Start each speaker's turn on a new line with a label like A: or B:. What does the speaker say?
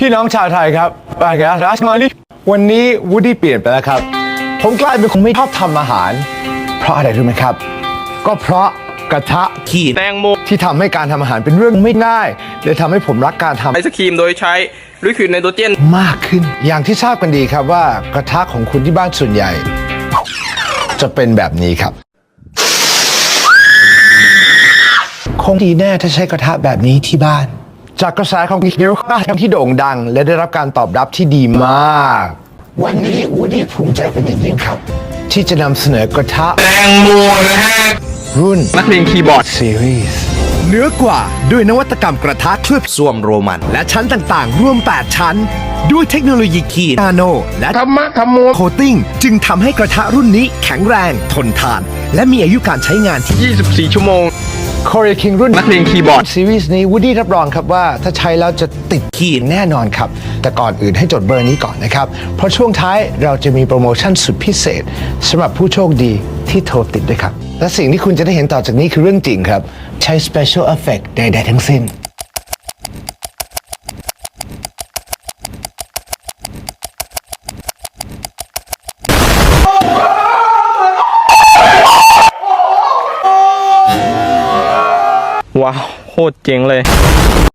A: พี่น้องชาวไทยครับบางแกรัสมาลิวันนี้วูดดี้เปลี่ยนไปแล้วครับผมกลายเป็นคนไม่ชอบทำอาหารเพราะอะไรรู้ไหมครับก็เพราะกระทะ
B: ขีดแตงโม
A: ที่ทำให้การทำอาหารเป็นเรื่องไม่ง่ายเลยทำให้ผมรักการทำ
B: ไอศครีมโดยใช้ลิควิดไนโตรเจน
A: มากขึ้นอย่างที่ทราบกันดีครับว่ากระทะของคุณที่บ้านส่วนใหญ่ จะเป็นแบบนี้ครับคงดีแน่ถ้าใช้กระทะแบบนี้ที่บ้านจากกระแสของฮิโรคาที่โด่งดังและได้รับการตอบรับที่ดีมากวันนี้วูดดี้ภูมิใจเป็นอย่างยิ่งครับที่จะนำเสนอกระทะ
B: แตงโมนะฮะ
A: รุ่น
B: นักเรียนคีย์บอร์ด
A: ซีรีส์เนื้อกว่าด้วยนวัตกรรมกระทะเคลือบ
C: ส้วมโรมัน
A: และชั้นต่างๆ รวม 8 ชั้น ด้วยเทคโนโลยีคีนาโนและ
B: ธรรมะธรรมโม
A: โคตติ้งจึงทำให้กระทะรุ่นนี้แข็งแรง ทนทาน และมีอายุการใช้งานที่
B: 24 ชั่วโมง
A: Korea King รุ่น
B: นักเรียนคีย์บอร์ด
A: ซีรีส์นี้วูดดี้รับรองครับว่าถ้าใช้แล้วจะติดขีดแน่นอนครับ แต่ก่อนอื่นให้จดเบอร์นี้ก่อนนะครับ เพราะช่วงท้ายเราจะมีโปรโมชั่นสุดพิเศษสำหรับผู้โชคดีที่โทรติดด้วยครับ และสิ่งที่คุณจะได้เห็นต่อจากนี้คือเรื่องจริงครับ ใช้ Special Effect ใดๆทั้งสิ้น
B: ว้าว โคตรเจ๋งเลย